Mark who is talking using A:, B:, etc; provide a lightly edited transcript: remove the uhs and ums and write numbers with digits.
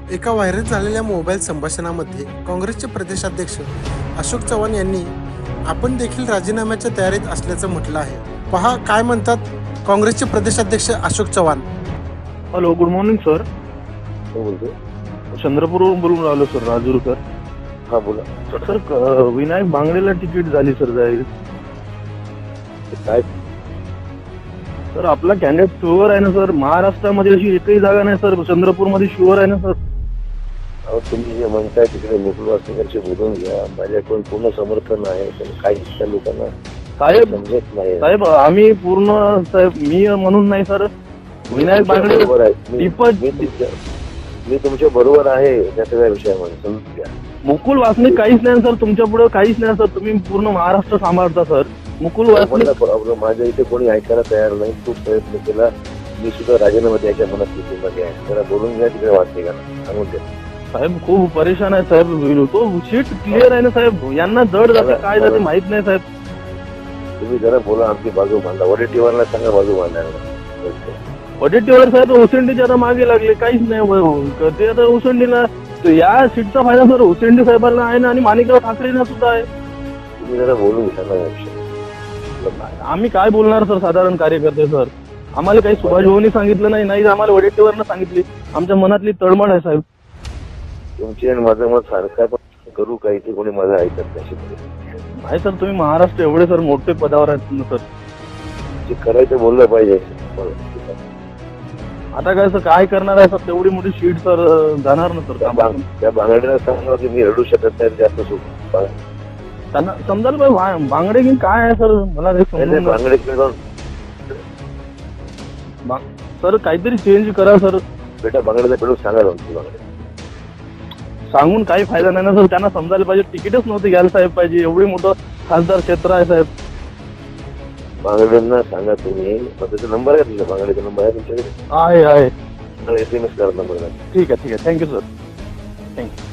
A: एका व्हायरल झालेल्या मोबाईल संभाषणामध्ये काँग्रेसचे प्रदेशाध्यक्ष अशोक चव्हाण यांनी आपण देखील राजीनाम्याच्या तयारीत असल्याचं म्हटलं आहे. पहा काय म्हणतात काँग्रेसचे प्रदेशाध्यक्ष Ashok Chavan.
B: Hello, good morning sir.
C: हो बोलतो.
B: चंद्रपूरवरून बोलून राहिलो सर, राजूरकर.
C: हा बोला.
B: सर, विनायक बांगडेला तिकीट झाली सर जाहीर.
C: काय
B: सर आपला कॅन्डिडेट शुअर आहे ना सर? महाराष्ट्रामध्ये अशी एकही जागा नाही सर, चंद्रपूरमध्ये शुअर आहे ना सर?
C: अहो तुम्ही जे म्हणताय तिकडे मुकुल वासनिकांशी बोलून घ्या. माझ्याकडून पूर्ण समर्थन आहे, पण काही त्या लोकांना
B: साहेब
C: समजत नाही.
B: साहेब आम्ही पूर्ण साहेब, मी म्हणून नाही सर, विनायक बांगडे
C: बरोबर आहे. मी तुमच्या बरोबर आहे त्याचा काय विषय म्हणून समजून घ्या.
B: मुकुल वासनिक काहीच नाही सर तुमच्या पुढे, काहीच नाही सर. तुम्ही पूर्ण महाराष्ट्र सांभाळता सर. मुकुल वासनिक
C: प्रॉब्लेम माझ्या इथे कोणी ऐकायला तयार नाही. खूप प्रयत्न केला. मी सुद्धा राजीनामा द्यायच्या मनात मध्ये आहे. जरा बोलून घ्या तिकडे वाटते का सांगून द्या.
B: साहेब खूप परेशान आहे साहेब. तो सीट क्लिअर आहे ना साहेब, यांना जड जाते काय जाते माहित नाही साहेब.
C: तुम्ही जरा बोला, आमची बाजू मांडा. वडेट्टीवारला सांगा बाजू मांडायला.
B: वडेट्टीवार साहेब ओसंडीच्या आता मागे लागले, काहीच नाही ते आता ओसंडीला. या सीटचा फायदा सर ओसंडी साहेबांना आहे ना, आणि माणिकराव ठाकरेंना सुद्धा आहे.
C: तुम्ही जरा बोलून घ्या ना या विषयी.
B: आम्ही काय बोलणार सर, साधारण कार्यकर्ते सर. आम्हाला काही सुभाष भाऊनी सांगितलं नाही, आम्हाला वडेट्टीवारनं सांगितली. आमच्या मनातली तळमळ आहे साहेब.
C: तुमची आणि माझं मत सारखं आहे, पण करू काही ते कोणी माझं ऐकत नाही.
B: नाही सर, तुम्ही महाराष्ट्र एवढे सर मोठे पदावर आहेत ना सर.
C: जे करायचं बोललं पाहिजे.
B: आता काय सर, काय करणार आहे सर? तेवढी मोठी सीट सर जाणार ना सर.
C: त्या बांगड्याला सांगा की मी रडू शकत नाही जास्त सुख.
B: त्यांना समजायला पाहिजे बांगडे की काय आहे सर. मला
C: बांगडे
B: सर काहीतरी चेंज करा सर.
C: बेटा बांगड्याला पेडून सांगा बांगडे
B: सांगून काही फायदा नाही ना सर. त्यांना समजायला पाहिजे तिकीटच नव्हते घ्यायला साहेब पाहिजे. एवढी मोठं खासदार क्षेत्र आहे साहेब.
C: बांगड्यांना सांगा तुम्ही. त्याचा नंबर आहे तुमचा? बांगड्याचा नंबर आहे तुमच्याकडे?
B: आहे
C: SMS करा नंबर.
B: ठीक आहे थँक्यू सर. थँक्यू.